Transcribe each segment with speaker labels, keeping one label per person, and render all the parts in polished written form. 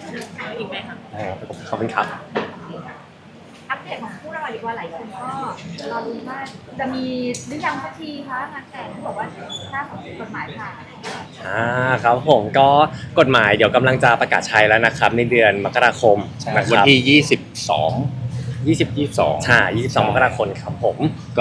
Speaker 1: อีกไหมคะ
Speaker 2: ขอบคุณครับ
Speaker 3: อัปเดตของคู่เราดีกว่าหลายคนก็รอรุ้นว่าจะมีหรือยังสักทีคะงานแต่งที่บอกว่าถ้าของกฎหมายผ่าน
Speaker 2: ครับผมก็กฎหมายเดี๋ยวกำลังจะประกาศใช้แล้วนะครับในเดือนมกราคมนะครับ
Speaker 4: วันที่22
Speaker 2: ใช่22มกราคมครับผม
Speaker 4: ก็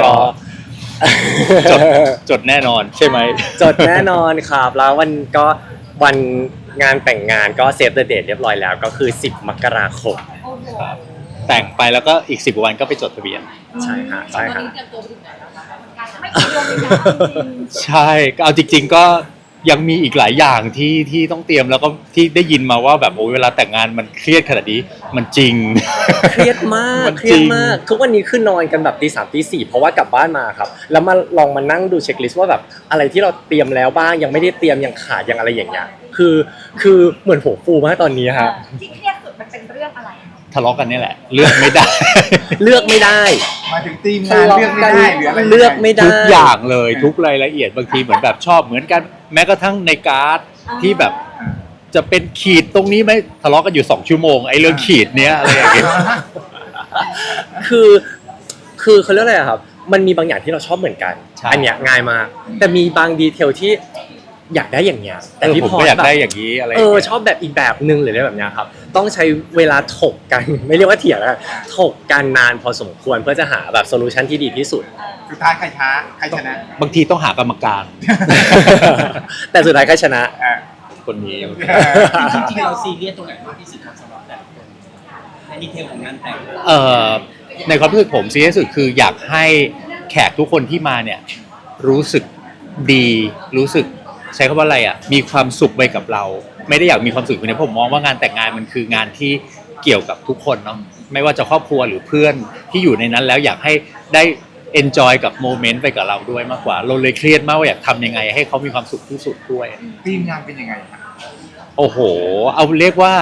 Speaker 4: จดแน่นอนใช่ไหม
Speaker 2: จดแน่นอนครับแล้ววันงานแต่งงานก็เซฟเดอะเดทเรียบร้อยแล้วก็คือ10มกราคม
Speaker 3: โอ้โห
Speaker 4: แต่งไปแล้วก็อีก10วันก็ไปจดทะเบียน
Speaker 2: ใช่ฮะใช่ฮะ
Speaker 3: ไม่กี่เดือนเลยนะจริง
Speaker 4: ใช่ก็เอาจริงๆก็ยังมีอีกหลายอย่างที่ต้องเตรียมแล้วก็ที่ได้ยินมาว่าแบบโอ้เวลาแต่งงานมันเครียดขนาดนี้มันจริง
Speaker 2: เครียดมากทุกวันนี้คือนอนกันแบบตี 3ตี 4เพราะว่ากลับบ้านมาครับแล้วมาลองมานั่งดูเช็คลิสต์ว่าแบบอะไรที่เราเตรียมแล้วบ้างยังไม่ได้เตรียมยังขาดยังอะไรอย่างเงี้ยคือเหมือนหัวฟูมากตอนนี้ฮะ
Speaker 3: ที่เครียดสุดมันเป็นเรื่องอะไร
Speaker 4: ทะเลาะกันนี่แหละเลือกไม่ได้
Speaker 2: เลือกไม่ได้
Speaker 5: มาถึงทีมงานเลือกไม่ได้หรืออะไร
Speaker 2: เลือกไม่ได้
Speaker 4: ทุกอย่างเลยทุกรายละเอียดบางทีเหมือนแบบชอบเหมือนกันแม้กระทั่งในการ์ดที่แบบจะเป็นขีดตรงนี้ไหมทะเลาะกันอยู่2ชั่วโมงไอ้เรื่องขีดเนี้ยอะไรอย่างเงี้ย
Speaker 2: คือเขาเรียกอะไรครับมันมีบางอย่างที่เราชอบเหมือนกันอันเนี้ยง่ายมากแต่มีบางดีเทลที่อยากได้อย่างเงี้ยแต่พี่พอ
Speaker 4: อยากได้อย่างนี้อะไร
Speaker 2: ชอบแบบอีกแบบนึงหรืออะไรแบบเนี้ยครับต้องใช้เวลาถกกันไม่เรียกว่าเถียงแล้วถกกันนานพอสมควรเพื่อจะหาแบบโซลูชันที่ดีที่สุด
Speaker 5: สุดท้ายใครช้าใครชนะ
Speaker 4: บางทีต้องหากรรมการ
Speaker 2: แต่สุดท้ายใครชนะ
Speaker 4: คนนี้
Speaker 1: จริงๆเราซีเรียสตรงไหนมากที่สุดสำหรับแต่ละคนในดีเทลของงานแต่ง
Speaker 4: ในความรู้สึกผมซีเรียสสุดคืออยากให้แขกทุกคนที่มาเนี่ยรู้สึกดีรู้สึกใช้คำว่าอะไรอ่ะมีความสุขไปกับเราไม่ได้อยากมีความสุขคนเดียวผมมองว่างานแต่งงานมันคืองานที่เกี่ยวกับทุกคนเนาะไม่ว่าจะครอบครัวหรือเพื่อนที่อยู่ในนั้นแล้วอยากให้ได้ enjoy กับโมเมนต์ไปกับเราด้วยมากกว่าเราเลยเครียดมากว่าอยากทำยังไงให้เขามีความสุขที่สุดด้วย
Speaker 5: ทีมงานเป็นยังไง
Speaker 4: โอ้โหเอาเรียกว่า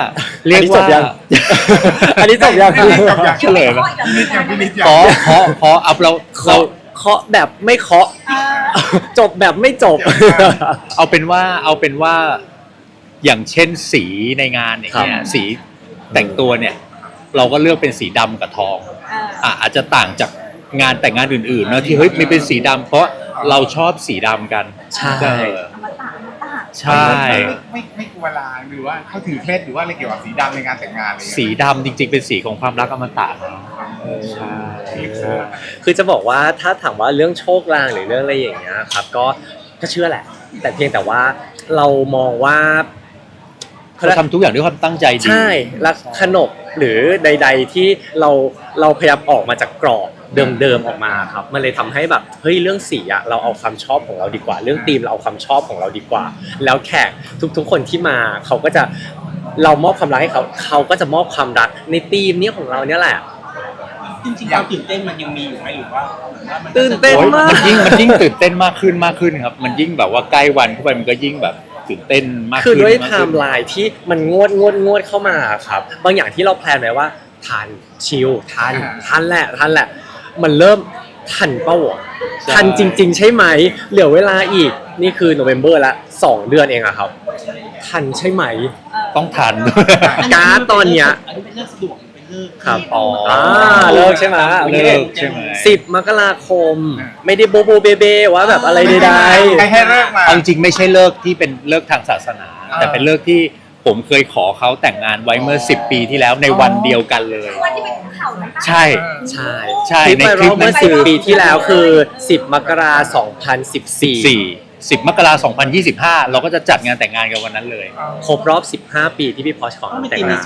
Speaker 2: อันนี้จบยัง
Speaker 4: เฉลยไหมขออัพเรา
Speaker 2: เคาะแบบไม่เคาะจบแบบไม่จบ
Speaker 4: เอาเป็นว่าอย่างเช่นสีในงานอย่างเงี้ยสีแต่งตัวเนี่ยเราก็เลือกเป็นสีดำกับทองอาจจะต่างจากงานแต่งงานอื่นๆเนาะที่เฮ้ยไม่เป็นสีดำเพราะเราชอบสีดำกัน
Speaker 2: ใช่
Speaker 4: ใช่
Speaker 5: ไม่กลัวลางหรือว่าเขาถือเคล็ดหรือว่าอะไรเกี่ยวกับสีดำในงานแต่งงานเลย
Speaker 4: สีดำจริงๆเป็นสีของความรักอมตะใช่
Speaker 2: คือจะบอกว่าถ้าถามว่าเรื่องโชคลางหรือเรื่องอะไรอย่างเงี้ยครับก็เชื่อแหละแต่เพียงแต่ว่าเรามองว่า
Speaker 4: เขาทำทุกอย่างด้วยความตั้งใจดี
Speaker 2: ใช่และขนบหรือใดๆที่เราพยายามออกมาจากกรอบเดิมๆออกมาครับมันเลยทำให้แบบเฮ้ยเรื่องสีอะเราเอาความชอบของเราดีกว่าเรื่องธีมเราเอาความชอบของเราดีกว่าแล้วแขกทุกๆคนที่มาเขาก็จะเรามอบความรักให้เขาก็จะมอบความรักในธีมนี้ของเราเนี่ยแหละ
Speaker 1: จริงๆความตื่นเต้นมันยังมีอยู่ไหมหรือว่า
Speaker 2: ตื่นเต้นมาก
Speaker 4: มันยิ่งตื่นเต้นมากขึ้นครับมันยิ่งแบบว่าใกล้วันเข้าไปมันก็ยิ่งแบบตื่นเต้นมากขึ้น
Speaker 2: คือด้วยไทม์ไลน์ที่มันงวดเข้ามาครับบางอย่างที่เราแพลนไว้ว่าทันชิลทันแหละมันเริ่มทันเป้าทันจริงๆใช่ไหมเหลือเวลาอีกนี่คือโนเวมเบอร์ละ2 เดือนเองอะครับทันใช่ไหม
Speaker 4: ต้องทัน
Speaker 2: การ์ดตอนเนี้ย
Speaker 1: อันนี้เป็นเรื่องสะดวกเป็นเรื่อง
Speaker 2: ครับเลิกใช่ไหม10 มกราคมไม่ได้โบเบว่าแบบอะไรใด
Speaker 5: ๆให้เลิกมา
Speaker 4: จริงไม่ใช่เลิกที่เป็นเลิกทางศาสนาแต่เป็นเลิกที่ผมเคยขอเขาแต่งงานไว้เมื่อ10 ปีที่แล้วในวันเดียวกันเลย
Speaker 3: วันที่เป็นข่าวนะ
Speaker 4: ใช่
Speaker 2: ในคลิปนั้น10 ปีที่แล้วคือ10 มกราคม
Speaker 4: 10 มกราคม 2025เราก็จะจัดงานแต่งงานกันวันนั้นเลย
Speaker 2: ครบรอบ15 ปีที่พี่พอชขอแต่งงาน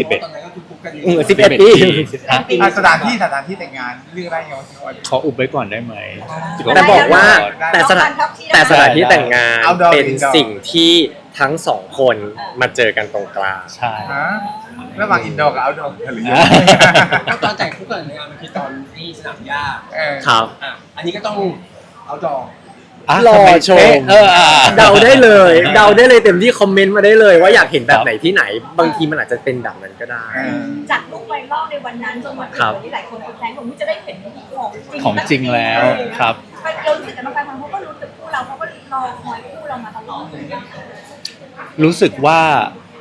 Speaker 4: 11 ปี
Speaker 5: สถานที่แต่งงานเรื่องอะไรเงี้ย
Speaker 4: ขออุบไว้ก่อนได้ไหม
Speaker 2: แต่บอกว่าแต่สถานที่แต่งงานเป็นสิ่งที่ทั้ง2 คนมาเจอกันตรงกลาง
Speaker 4: ใช่
Speaker 5: ระหว่างอินดอร์กับเอาท์ดอร์หรือ
Speaker 1: ตอนแต่งคู่กันในงานมันคือตอนที่สนามหญ้า
Speaker 2: ครับ
Speaker 1: อันนี้ก็ต้องเอาท์ดอร์
Speaker 2: รอชมเดาได้เลยเต็มที่คอมเมนต์มาได้เลยว่าอยากเห็นแบบไหนที่ไหนบางทีมันอาจจะเป็นแบบนั้นก็ได้
Speaker 3: จากรูปไวรัลในวันนั้นจนวันนี้หลายคนแฟนผมจะได้เห็น
Speaker 4: ของจริงแล้วครับ
Speaker 3: เรารู้สึกกันบางครั้งเขาก็รู้สึกคู่เราเขาก็รอคอยคู่เรามาตลอด
Speaker 4: รู้สึกว่า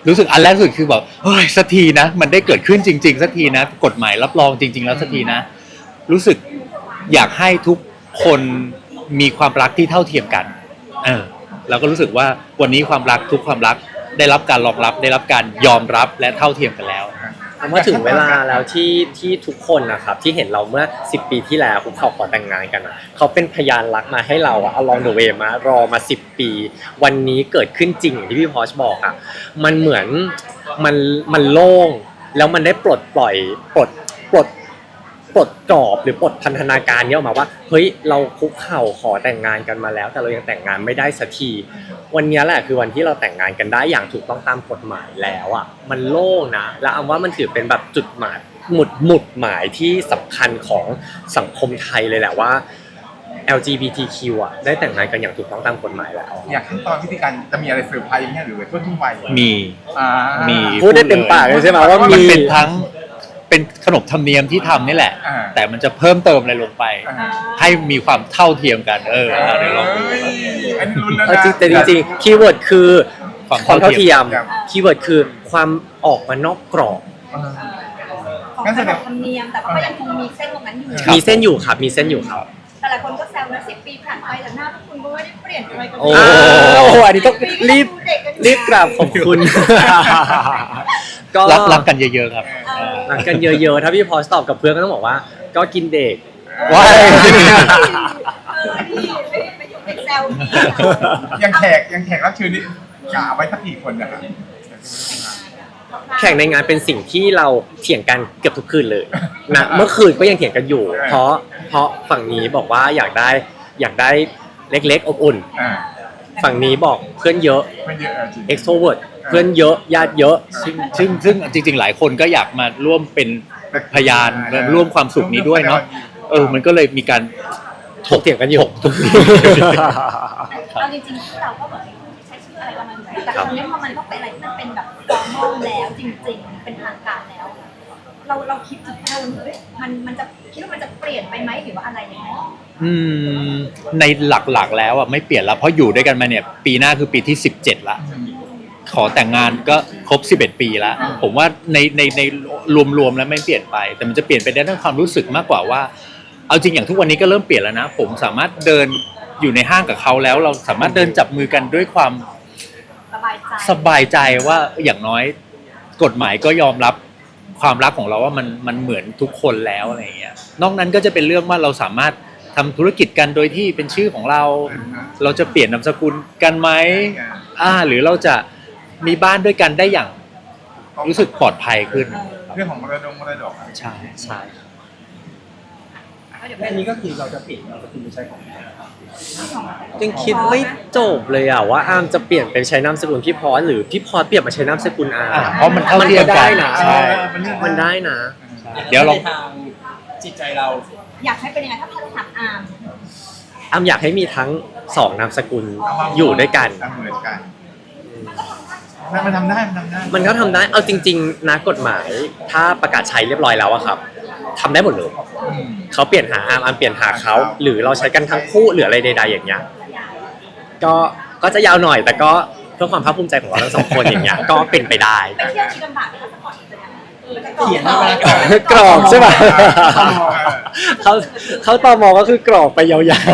Speaker 4: รู้สึกอันแรกสุดคือแบบเฮ้ยสักทีนะมันได้เกิดขึ้นจริงๆสักทีนะกฎหมายรับรองจริง ๆ แล้วสักทีนะรู้สึกอยากให้ทุกคนมีความรักที่เท่าเทียมกันเราก็รู้สึกว่าวันนี้ความรักทุกความรักได้รับการรองรับได้รับการยอมรับและเท่าเทียมกันแล้ว
Speaker 2: ว่าถึงเวลาแล้วที่ทุกคนนะครับที่เห็นเราเมื่อ10 ปีที่แล้วคุกเข่าขอแต่งงานกันอะเขาเป็นพยานรักมาให้เราอะ along the way มารอมา10 ปีวันนี้เกิดขึ้นจริงอย่างที่พี่พอชบอกอะมันเหมือนมันโล่งแล้วมันได้ปลดปล่อยปลดกรอบหรือปลดพันธนาการนี้ออกมาว่าเฮ้ยเราคุกเข่าขอแต่งงานกันมาแล้วแต่เรายังแต่งงานไม่ได้สักทีวันนี้แหละคือวันที่เราแต่งงานกันได้อย่างถูกต้องตามกฎหมายแล้วอ่ะมันโล่งนะแล้วเอาว่ามันถือเป็นแบบจุดหมายหมุดหมายที่สำคัญของสังคมไทยเลยแหละว่า LGBTQ อ่ะได้แต่งงานกันอย่างถูกต้องตามกฎหมายแล้ว
Speaker 5: อยากขั้นตอนวิธีการจะมีอะไรเซอร์ไพรส์ไหมหรือว่าทั่วไป
Speaker 4: มี
Speaker 5: มี
Speaker 2: พูดได้เต็มปากเลยใช่ไหมว่ามี
Speaker 4: เป็นทั้งเป็นขนบธรรมเนียมที่ทำนี่แหละแต่มันจะเพิ่มเติมอะไรลงไปให้มีความเท่าเทียมกันเดี๋ยวลองดู
Speaker 2: แต่จริงๆคีย์เวิร์ดคือความเท่าเทียมคีย์เวิร์ดคือความออกมานอกกรอบ
Speaker 3: ของขนบธรรมเนียมแต่ก็ยังคงมีเส้นตรงนั้นอยู่
Speaker 2: มีเส้นอยู่ครับมีเส้นอยู่ครับ
Speaker 3: แต่หลายคนก็แซวนะ10 ปีผ่านไปแต่หน้าพวกคุณก็ไม่ได้เปลี่ยนอะไรกัน
Speaker 2: โอ้อันนี้ต้องรีบกราบขอบคุณ
Speaker 4: ก็รักกันเยอะๆครับ
Speaker 2: รักกันเยอะๆถ้าพี่พอสตอบกับเพื่อนก็ต้องบอกว่าก็กินเด็ก
Speaker 4: ว้าย
Speaker 3: ไม่อยู่ในแซว
Speaker 5: ยังแขกรับเชิญนี่กะไว้สักกี่คนนะครับ
Speaker 2: แข่งในงานเป็นสิ่งที่เราเถียงกันเกือบทุกคืนเลยนะเมื่อคืนก็ยังเถียงกันอยู่เพราะฝั่งนี้บอกว่าอยากได้เล็กๆอบอุ่นฝั่งนี้บอกเพื่อนเยอะ extrovert เพื่อนเยอะญาติเยอะ
Speaker 4: ซึ่งจริงๆหลายคนก็อยากมาร่วมเป็นพยานร่วมความสุขนี้ด้วยเนาะมันก็เลยมีการ
Speaker 2: ถกเถียงกันอยู่
Speaker 3: เอาจริงๆเราก็แบบใช้ชื่ออะไรประมาณนี้แต่ตอนนี้พอมันต้องเป็นอะไรที่มันเป็นแบบฟอร์มอลแล้วจริงๆเป็นทางการแล้วเราคิดถึงมันจะคิดว่ามันจะเปลี่ยนไปไหมหรือว่าอะไรยังไง
Speaker 4: ในหลักๆแล้วไม่เปลี่ยนแล้วเพราะอยู่ด้วยกันมาเนี่ยปีหน้าคือปีที่17ละขอแต่งงานก็ครบ11 ปีแล้วผมว่าในรวมๆแล้วไม่เปลี่ยนไปแต่มันจะเปลี่ยนไปในด้านความรู้สึกมากกว่าว่าเอาจริงอย่างทุกวันนี้ก็เริ่มเปลี่ยนแล้วนะผมสามารถเดินอยู่ในห้างกับเขาแล้วเราสามารถเดินจับมือกันด้วยความสบายใจว่าอย่างน้อยกฎหมายก็ยอมรับความรักของเราว่ามันเหมือนทุกคนแล้วอะไรอย่างเงี้ยนอกนั้นก็จะเป็นเรื่องว่าเราสามารถทำธุรกิจกันโดยที่เป็นชื่อของเราจะเปลี่ยนนามสกุลกันไหมหรือเราจะมีบ้านด้วยกันได้อย่างรู้สึกปลอดภัยขึ้น
Speaker 5: เรื่องของมรดก
Speaker 4: ใช่
Speaker 1: อันนี้ก็คือเราจะเปลี่ยนนามสกุลไปใช้ของ
Speaker 2: ยังคิดไม่จบเลยว่าอาร์มจะเปลี่ยนไปใช้นามสกุลพี่พอสหรือพี่พอสเปลี่ยนมาใช้นามสกุลอาร์ม
Speaker 4: เพราะมันเท่าเทียมกัน
Speaker 2: นะมันได้นะ
Speaker 1: เดี๋ยวลองทางจิตใจเรา
Speaker 3: อยากให้เป็นยังไงถ้าเราถามอา
Speaker 2: ร์มอยากให้มีทั้ง2นามสกุลอยู่ด้วยกัน
Speaker 5: เหมือนกันมันทำได้
Speaker 2: มันก็ทำได้เอาจริงๆนะกฎหมายถ้าประกาศใช้เรียบร้อยแล้วอะครับทำได้หมดเลยเขาเปลี่ยนหาอาร์มเปลี่ยนหาเขาหรือเราใช้กันทั้งคู่หรืออะไรใดๆอย่างเงี้ยก็จะยาวหน่อยแต่ก็เพื่อความภาคภูมิใจของเราทั้ง2 คนอย่างเงี้ยก็เป็นไปได้
Speaker 3: ไปเที่ยวที่ลำบากนะคะก่อน
Speaker 2: เขียนกรอบใช่ป่ะเขาตมก็คือกรอบไปยาว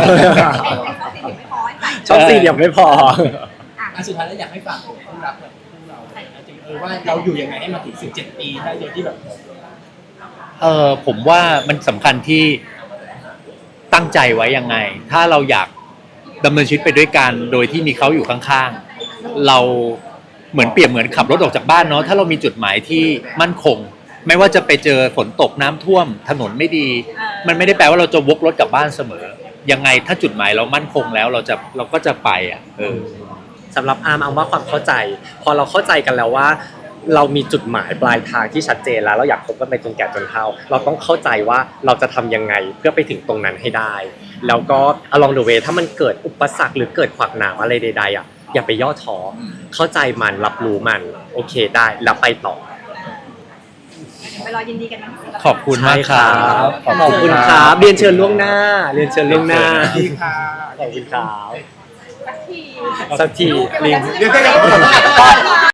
Speaker 2: ๆช่อง4เหลี่ยมไม่พอ
Speaker 1: สุดท้ายแล้วอยากให้ฝากคู่รักแบบคู่เราว่าเราอยู่ยังไงให้มาถึง17 ปีได้โดยที่แบบ
Speaker 4: ผมว่ามันสำคัญที่ตั้งใจไว้ยังไงถ้าเราอยากดำเนินชีวิตไปด้วยกันโดยที่มีเขาอยู่ข้างๆเราเหมือนเปรียบเหมือนขับรถออกจากบ้านเนาะถ้าเรามีจุดหมายที่มั่นคงไม่ว่าจะไปเจอฝนตกน้ำท่วมถนนไม่ดีมันไม่ได้แปลว่าเราจะวกรถกลับบ้านเสมอยังไงถ้าจุดหมายเรามั่นคงแล้วเราก็จะไป
Speaker 2: สำหรับอาร์มว่าความเข้าใจพอเราเข้าใจกันแล้วว่าเรามีจุดหมายปลายทางที่ชัดเจนแล้วเราอยากคบกันไปจนแก่จนเฒ่าเราต้องเข้าใจว่าเราจะทำยังไงเพื่อไปถึงตรงนั้นให้ได้แล้วก็ along the way ถ้ามันเกิดอุปสรรคหรือเกิดขวากหนามอะไรใดๆอย่าไปย่อท้อเข้าใจมันรับรู้มันโอเคได้แล้วไปต่อ
Speaker 3: ไปรอยินดีกันนะ
Speaker 4: ขอบคุณมากครับ
Speaker 2: ขอบคุณครับเรียนเชิญล่วงหน้าขอบคุณครับสักทีลิง